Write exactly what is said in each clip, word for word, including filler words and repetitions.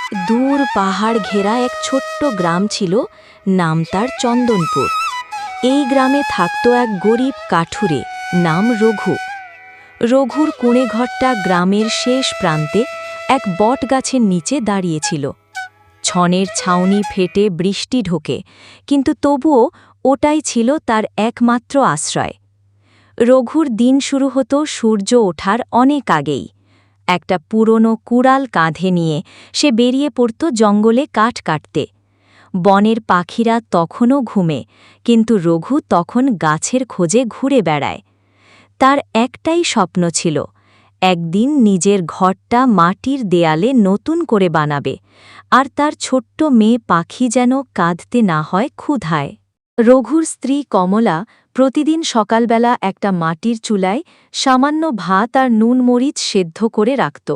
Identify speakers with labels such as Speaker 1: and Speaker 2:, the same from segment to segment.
Speaker 1: দূর পাহাড় ঘেরা এক ছোট্ট গ্রাম ছিল, নাম তার চন্দনপুর। এই গ্রামে থাকত এক গরিব কাঠুরে, নাম রঘু। রঘুর কুঁড়েঘরটা গ্রামের শেষ প্রান্তে এক বট গাছের নিচে দাঁড়িয়েছিল। ছনের ছাউনি ফেটে বৃষ্টি ঢোকে, কিন্তু তবুও ওটাই ছিল তার একমাত্র আশ্রয়। রঘুর দিন শুরু হতো সূর্য ওঠার অনেক আগেই। একটা পুরনো কুড়াল কাঁধে নিয়ে সে বেরিয়ে পড়ত জঙ্গলে কাঠ কাটতে। বনের পাখিরা তখনও ঘুমে, কিন্তু রঘু তখন গাছের খোঁজে ঘুরে বেড়ায়। তার একটাই স্বপ্ন ছিল, একদিন নিজের ঘরটা মাটির দেয়ালে নতুন করে বানাবে, আর তার ছোট্ট মেয়ে পাখি যেন কাঁদতে না হয় ক্ষুধায়। রঘুর স্ত্রী কমলা প্রতিদিন সকালবেলা একটা মাটির চুলায় সামান্য ভাত আর নুন মরিচ সেদ্ধ করে রাখত।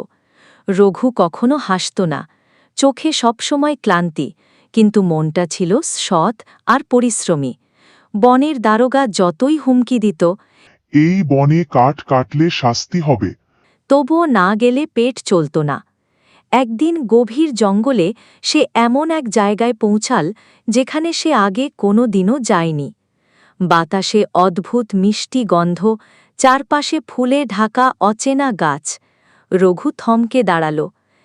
Speaker 1: রঘু কখনো হাসত না, চোখে সবসময় ক্লান্তি, কিন্তু মনটা ছিল সৎ আর পরিশ্রমী। বনের দারোগা যতই হুমকি দিত,
Speaker 2: এই বনে কাঠ কাটলে শাস্তি হবে,
Speaker 1: তবুও না গেলে পেট চলত না। একদিন গভীর জঙ্গলে সে এমন এক জায়গায় পৌঁছাল যেখানে সে আগে কোনো দিনও যায়নি। বাতাসে অদ্ভুত মিষ্টি গন্ধ, চারপাশে ফুলে ঢাকা অচেনা গাছ। রঘু থমকে দাঁড়াল।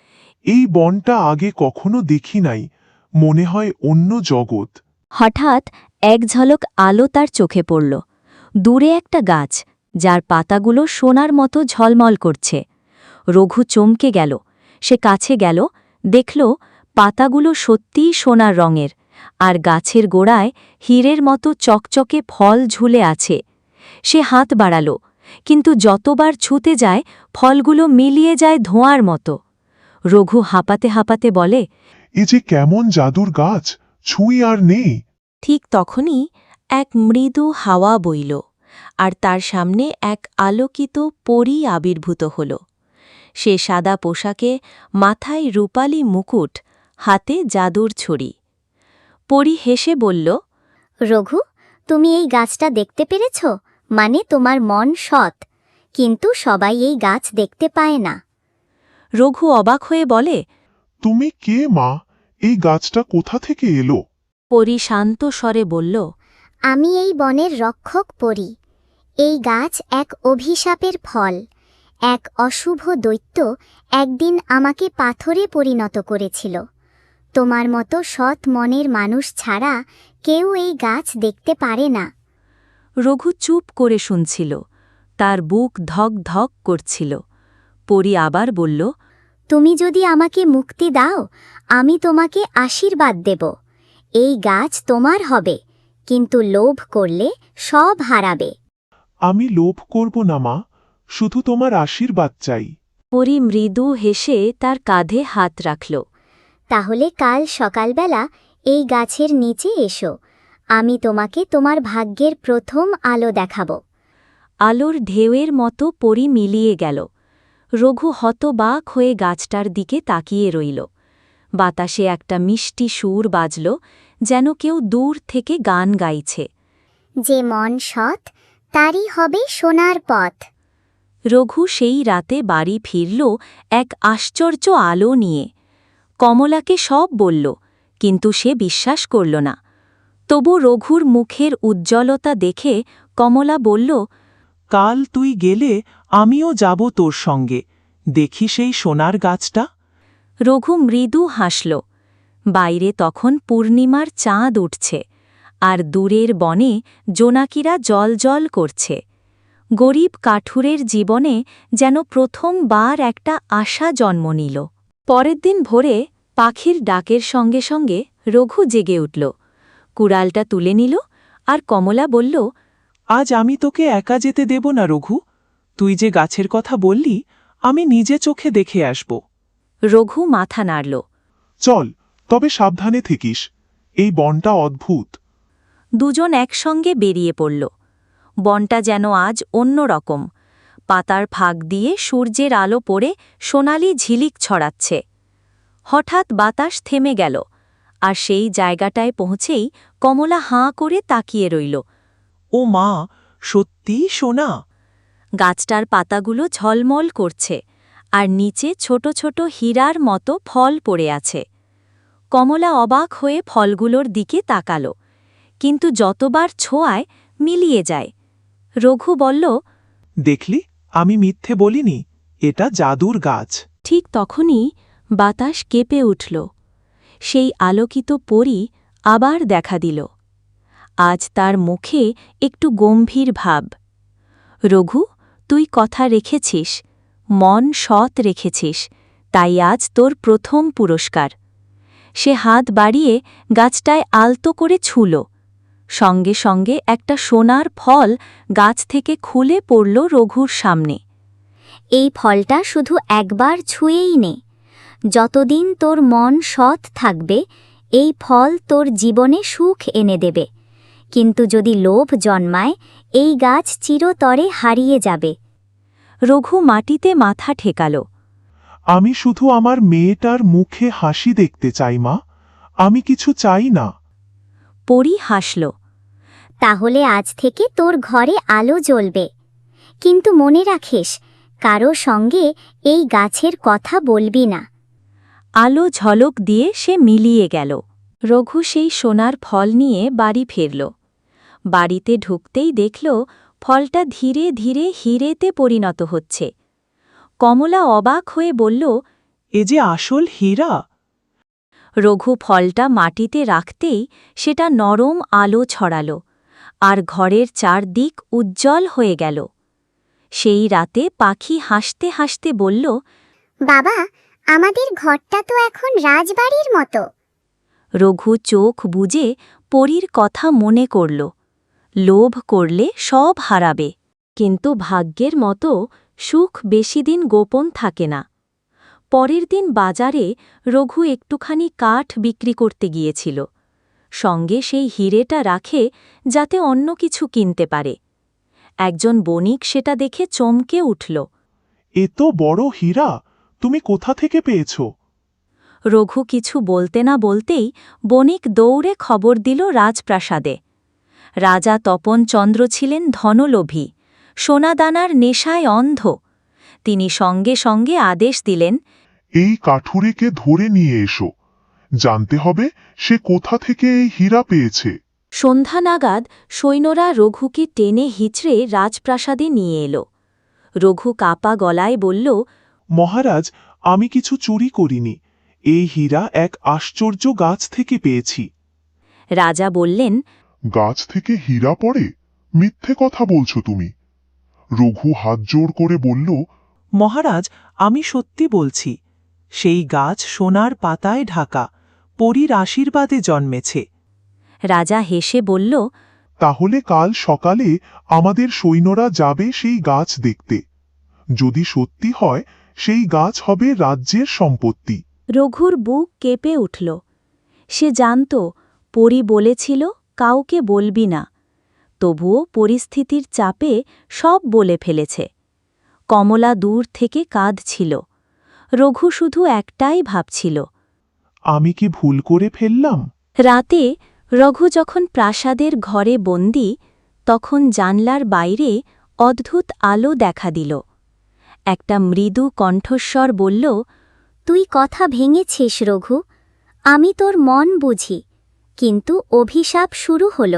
Speaker 2: এই বনটা আগে কখনো দেখি নাই, মনে হয় অন্য জগৎ।
Speaker 1: হঠাৎ এক ঝলক আলো তার চোখে পড়ল। দূরে একটা গাছ, যার পাতাগুলো সোনার মতো ঝলমল করছে। রঘু চমকে গেল। সে কাছে গেল, দেখল পাতাগুলো সত্যিই সোনার রঙের, আর গাছের গোড়ায় হীরের মতো চকচকে ফল ঝুলে আছে। সে হাত বাড়াল, কিন্তু যতবার ছুতে যায় ফলগুলো মিলিয়ে যায় ধোঁয়ার মতো। রঘু হাঁপাতে হাঁপাতে বলে,
Speaker 2: এ যে কেমন জাদুর গাছ, ছুঁই আর নেই।
Speaker 1: ঠিক তখনই এক মৃদু হাওয়া বইল, আর তার সামনে এক আলোকিত পরী আবির্ভূত হল। সে সাদা পোশাকে, মাথায় রূপালী মুকুট, হাতে জাদুর ছড়ি। পরী হেসে বলল,
Speaker 3: রঘু, তুমি এই গাছটা দেখতে পেরেছ? মানে তোমার মন সৎ, কিন্তু সবাই এই গাছ দেখতে পায় না।
Speaker 1: রঘু অবাক হয়ে বলে,
Speaker 2: তুমি কে মা? এই গাছটা কোথা থেকে এলো?
Speaker 1: পরী শান্ত স্বরে বলল,
Speaker 3: আমি এই বনের রক্ষক পরী। এই গাছ এক অভিশাপের ফল। এক অশুভ দৈত্য একদিন আমাকে পাথরে পরিণত করেছিল। তোমার মতো সৎ মনের মানুষ ছাড়া কেউ এই গাছ দেখতে পারে না।
Speaker 1: রঘু চুপ করে শুনছিল, তার বুক ধক ধক করছিল। পরী আবার বলল,
Speaker 3: তুমি যদি আমাকে মুক্তি দাও, আমি তোমাকে আশীর্বাদ দেব। এই গাছ তোমার হবে, কিন্তু লোভ করলে সব হারাবে।
Speaker 2: আমি লোভ করব না মা, শুধু তোমার আশীর্বাদ চাই।
Speaker 1: পরী মৃদু হেসে তার কাঁধে হাত রাখল।
Speaker 3: তাহলে কাল সকালবেলা এই গাছের নিচে এসো, আমি তোমাকে তোমার ভাগ্যের প্রথম আলো দেখাব।
Speaker 1: আলোর ঢেউয়ের মতো পরী মিলিয়ে গেল। রঘু হতবাক হয়ে গাছটার দিকে তাকিয়ে রইল। বাতাসে একটা মিষ্টি সুর বাজল, যেন কেউ দূর থেকে গান গাইছে।
Speaker 3: যে মন সৎ, তারই হবে সোনার পথ।
Speaker 1: রঘু সেই রাতে বাড়ি ফিরল এক আশ্চর্য আলো নিয়ে। কমলাকে সব বলল, কিন্তু সে বিশ্বাস করল না। তবু রঘুর মুখের উজ্জ্বলতা দেখে কমলা বলল,
Speaker 4: কাল তুই গেলে আমিও যাব তোর সঙ্গে, দেখি সেই সোনার গাছটা।
Speaker 1: রঘু মৃদু হাসল। বাইরে তখন পূর্ণিমার চাঁদ উঠছে, আর দূরের বনে জোনাকিরা জলজল করছে। গরিব কাঠুরের জীবনে যেন প্রথমবার একটা আশা জন্ম নিল। পরের দিন ভোরে পাখির ডাকের সঙ্গে সঙ্গে রঘু জেগে উঠল। কুড়ালটা তুলে নিল, আর কমলা বলল,
Speaker 4: আজ আমি তোকে একা যেতে দেব না রঘু, তুই যে গাছের কথা বললি আমি নিজে চোখে দেখে আসব।
Speaker 1: রঘু মাথা নাড়ল।
Speaker 2: চল, তবে সাবধানে থাকিস, এই বনটা অদ্ভুত।
Speaker 1: দুজন একসঙ্গে বেরিয়ে পড়ল। বনটা যেন আজ অন্য রকম। পাতার ফাঁক দিয়ে সূর্যের আলো পড়ে সোনালি ঝিলিক ছড়াচ্ছে। হঠাৎ বাতাস থেমে গেল, আর সেই জায়গাটায় পৌঁছেই কমলা হাঁ করে তাকিয়ে রইল।
Speaker 4: ও মা, সত্যিই সোনা!
Speaker 1: গাছটার পাতাগুলো ঝলমল করছে, আর নিচে ছোট ছোট হীরার মতো ফল পড়ে আছে। কমলা অবাক হয়ে ফলগুলোর দিকে তাকাল, কিন্তু যতবার ছোঁয়ায় মিলিয়ে যায়। রঘু বলল,
Speaker 4: দেখলি, আমি মিথ্যে বলিনি, এটা জাদুর গাছ।
Speaker 1: ঠিক তখনই বাতাস কেঁপে উঠল। সেই আলোকিত পরী আবার দেখা দিল। আজ তার মুখে একটু গম্ভীর ভাব। রঘু, তুই কথা রেখেছিস, মন সৎ রেখেছিস, তাই আজ তোর প্রথম পুরস্কার। সে হাত বাড়িয়ে গাছটায় আলতো করে ছুল। সঙ্গে সঙ্গে একটা সোনার ফল গাছ থেকে খুলে পড়ল রঘুর সামনে।
Speaker 3: এই ফলটা শুধু একবার ছুঁয়েই নে। যতদিন তোর মন সৎ থাকবে, এই ফল তোর জীবনে সুখ এনে দেবে। কিন্তু যদি লোভ জন্মায়, এই গাছ চিরতরে হারিয়ে যাবে।
Speaker 1: রঘু মাটিতে মাথা ঠেকাল।
Speaker 2: আমি শুধু আমার মেয়েটার মুখে হাসি দেখতে চাই মা, আমি কিছু চাই না।
Speaker 1: পরী হাসল।
Speaker 3: তাহলে আজ থেকে তোর ঘরে আলো জ্বলবে। কিন্তু মনে রাখিস, কারো সঙ্গে এই গাছের কথা বলবি না।
Speaker 1: আলো ঝলক দিয়ে সে মিলিয়ে গেল। রঘু সেই সোনার ফল নিয়ে বাড়ি ফিরল। বাড়িতে ঢুকতেই দেখল ফলটা ধীরে ধীরে হীরেতে পরিণত হচ্ছে। কমলা অবাক হয়ে বলল,
Speaker 4: এ যে আসল হীরা।
Speaker 1: রঘু ফলটা মাটিতে রাখতেই সেটা নরম আলো ছড়াল, আর ঘরের চারদিক উজ্জ্বল হয়ে গেল। সেই রাতে পাখি হাসতে হাসতে বলল,
Speaker 3: বাবা, আমাদের ঘরটা তো এখন রাজবাড়ির মতো।
Speaker 1: রঘু চোখ বুজে পরীর কথা মনে করল। লোভ করলে সব হারাবে, কিন্তু ভাগ্যের মতো সুখ বেশিদিন গোপন থাকে না। পরের দিন বাজারে রঘু একটুখানি কাঠ বিক্রি করতে গিয়েছিল। সঙ্গে সেই হিরেটা রাখে যাতে অন্য কিছু কিনতে পারে। একজন বণিক সেটা দেখে চমকে উঠল।
Speaker 2: এ তো বড় হীরা, তুমি কোথা থেকে পেয়েছ?
Speaker 1: রঘু কিছু বলতে না বলতেই বণিক দৌড়ে খবর দিল রাজপ্রাসাদে। রাজা তপন চন্দ্র ছিলেন ধনলোভী, সোনাদানার নেশায় অন্ধ। তিনি সঙ্গে সঙ্গে আদেশ দিলেন,
Speaker 2: এই কাঠুরেকে ধরে নিয়ে এসো, জানতে হবে সে কোথা থেকে এই হীরা পেয়েছে।
Speaker 1: সন্ধ্যা নাগাদ সৈন্যরা রঘুকে টেনে হিচড়ে রাজপ্রাসাদে নিয়ে এল। রঘু কাপা গলায় বলল,
Speaker 2: মহারাজ, আমি কিছু চুরি করিনি, এই হীরা এক আশ্চর্য গাছ থেকে পেয়েছি।
Speaker 1: রাজা বললেন,
Speaker 5: গাছ থেকে হীরা পড়ে? মিথ্যে কথা বলছো তুমি। রঘু হাত জোড় করে বলল,
Speaker 4: মহারাজ, আমি সত্যি বলছি, সেই গাছ সোনার পাতায় ঢাকা, পরীর আশীর্বাদে জন্মেছে।
Speaker 1: রাজা হেসে বলল,
Speaker 2: তাহলে কাল সকালে আমাদের সৈন্যরা যাবে সেই গাছ দেখতে। যদি সত্যি হয়, সেই গাছ হবে রাজ্যের সম্পত্তি।
Speaker 1: রঘুর বুক কেঁপে উঠল। সে জানত পরী বলেছিল কাউকে বলবি না, তবুও পরিস্থিতির চাপে সব বলে ফেলেছে। কমলা দূর থেকে কাঁদছিল। রঘু শুধু একটাই ভাবছিল,
Speaker 2: আমি কি ভুল করে ফেললাম?
Speaker 1: রাতে রঘু যখন প্রাসাদের ঘরে বন্দী, তখন জানলার বাইরে অদ্ভুত আলো দেখা দিল। একটা মৃদু কণ্ঠস্বর বলল,
Speaker 3: তুই কথা ভেঙেছিস রঘু, আমি তোর মন বুঝি, কিন্তু অভিশাপ শুরু হল।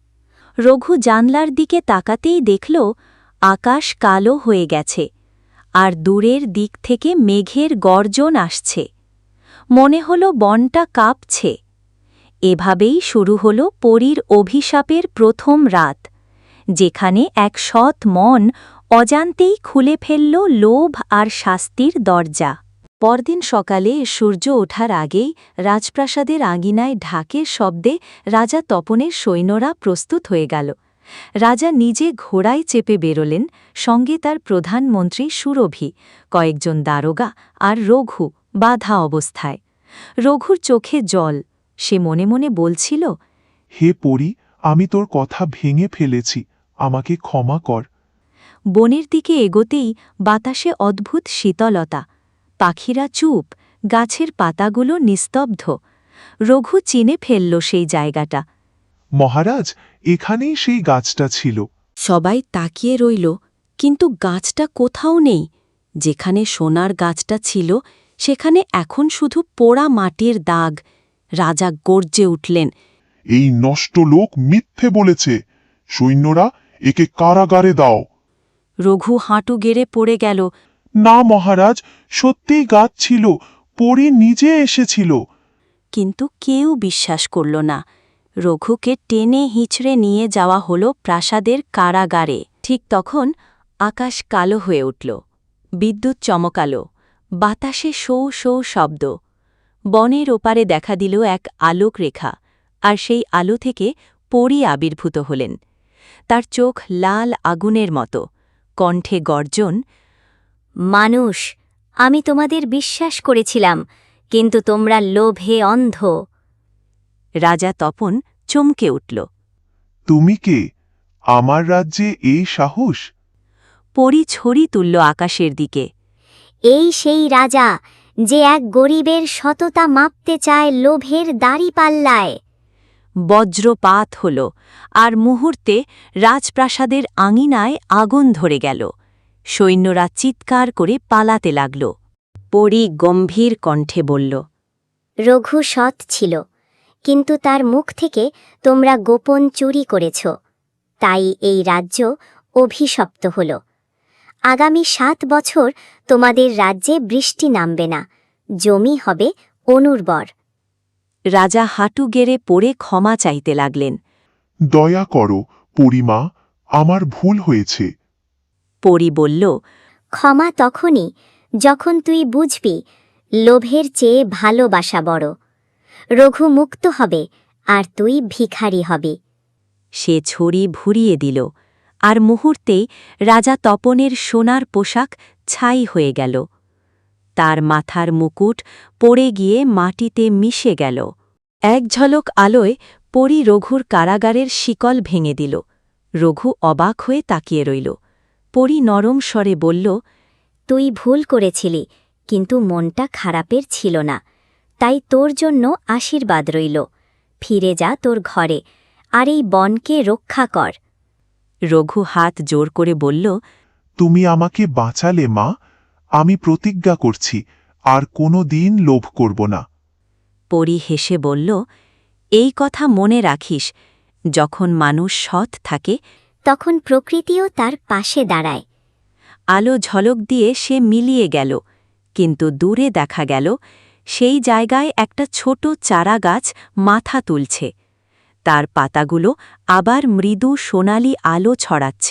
Speaker 1: রঘু জানলার দিকে তাকাতেই দেখল আকাশ কালো হয়ে গেছে, আর দূরের দিক থেকে মেঘের গর্জন আসছে। মনে হল বনটা কাঁপছে। এভাবেই শুরু হল পরীর অভিশাপের প্রথম রাত, যেখানে এক সৎ মন অজান্তেই খুলে ফেলল লোভ আর শাস্তির দরজা। পরদিন সকালে সূর্য ওঠার আগেই রাজপ্রাসাদের আঙিনায় ঢাকের শব্দে রাজা তপনের সৈন্যরা প্রস্তুত হয়ে গেল। রাজা নিজে ঘোড়ায় চেপে বেরোলেন, সঙ্গে তার প্রধানমন্ত্রী সুরভি, কয়েকজন দারোগা আর রঘু বাধা অবস্থায়। রঘুর চোখে জল। সে মনে মনে বলছিল,
Speaker 2: হে পরী, আমি তোর কথা ভেঙে ফেলেছি, আমাকে ক্ষমা কর।
Speaker 1: বনের দিকে এগোতেই বাতাসে অদ্ভুত শীতলতা। পাখিরা চুপ, গাছের পাতাগুলো নিস্তব্ধ। রঘু চিনে ফেলল সেই জায়গাটা।
Speaker 2: মহারাজ, এখানেই সেই গাছটা ছিল।
Speaker 1: সবাই তাকিয়ে রইল, কিন্তু গাছটা কোথাও নেই। যেখানে সোনার গাছটা ছিল সেখানে এখন শুধু পোড়া মাটির দাগ। রাজা গর্জে উঠলেন।
Speaker 5: এই নষ্ট লোক মিথ্যে বলেছে। সৈন্যরা একে কারাগারে দাও।
Speaker 1: রঘু হাঁটু গেড়ে পড়ে গেল।
Speaker 2: না মহারাজ, সত্যিই গাছ ছিল, পরী নিজে এসেছিল।
Speaker 1: কিন্তু কেউ বিশ্বাস করল না। রঘুকে টেনে হিঁচড়ে নিয়ে যাওয়া হল প্রাসাদের কারাগারে। ঠিক তখন আকাশ কালো হয়ে উঠল। বিদ্যুৎ চমকালো। বাতাসে শৌ শৌ শব্দ। বনের ওপারে দেখা দিল এক আলোক রেখা, আর সেই আলো থেকে পরী আবির্ভূত হলেন। তার চোখ লাল আগুনের মতো, কণ্ঠে গর্জন।
Speaker 3: মানুষ, আমি তোমাদের বিশ্বাস করেছিলাম, কিন্তু তোমরা লোভে অন্ধ।
Speaker 1: রাজা তপন চমকে উঠল।
Speaker 2: তুমি কে? আমার রাজ্যে এই সাহস?
Speaker 1: পরী ছড়ি তুলল আকাশের দিকে।
Speaker 3: এই সেই রাজা যে এক গরিবের সততা মাপতে চায় লোভের দাড়িপাল্লায়।
Speaker 1: বজ্রপাত হল, আর মুহূর্তে রাজপ্রাসাদের আঙিনায় আগুন ধরে গেল। সৈন্যরা চিৎকার করে পালাতে লাগল। পরী গম্ভীর কণ্ঠে বলল,
Speaker 3: রঘু সৎ ছিল, কিন্তু তার মুখ থেকে তোমরা গোপন চুরি করেছ। তাই এই রাজ্য অভিশপ্ত হল। আগামী সাত বছর তোমাদের রাজ্যে বৃষ্টি নামবে না, জমি হবে অনুর্বর।
Speaker 1: রাজা হাঁটু গেড়ে পড়ে ক্ষমা চাইতে লাগলেন।
Speaker 2: দয়া করো পরিমা, আমার ভুল হয়েছে।
Speaker 1: পরী বলল,
Speaker 3: ক্ষমা তখনই যখন তুই বুঝবি লোভের চেয়ে ভালোবাসা বড়। রঘু মুক্ত হবে, আর তুই ভিখারি হবি।
Speaker 1: সে ছড়ি ভুরিয়ে দিল, আর মুহূর্তেই রাজা তপনের সোনার পোশাক ছাই হয়ে গেল। তার মাথার মুকুট পড়ে গিয়ে মাটিতে মিশে গেল। এক ঝলক আলোয় পরী রঘুর কারাগারের শিকল ভেঙে দিল। রঘু অবাক হয়ে তাকিয়ে রইল। পরী নরম স্বরে বলল,
Speaker 3: তুই ভুল করেছিলি, কিন্তু মনটা খারাপের ছিল না, তাই তোর জন্য আশীর্বাদ রইল। ফিরে যা তোর ঘরে, আর এই বনকে রক্ষা কর।
Speaker 1: রঘু হাত জোর করে বলল,
Speaker 2: তুমি আমাকে বাঁচালে মা, আমি প্রতিজ্ঞা করছি আর কোনো দিন লোভ করব না।
Speaker 1: পরী হেসে বলল, এই কথা মনে রাখিস, যখন মানুষ সৎ থাকে
Speaker 3: তখন প্রকৃতিও তার পাশে দাঁড়ায়।
Speaker 1: আলো ঝলক দিয়ে সে মিলিয়ে গেল, কিন্তু দূরে দেখা গেল সেই জায়গায় একটা ছোট চারা গাছ মাথা তুলছে। তার পাতাগুলো আবার মৃদু সোনালি আলো ছড়াচ্ছে।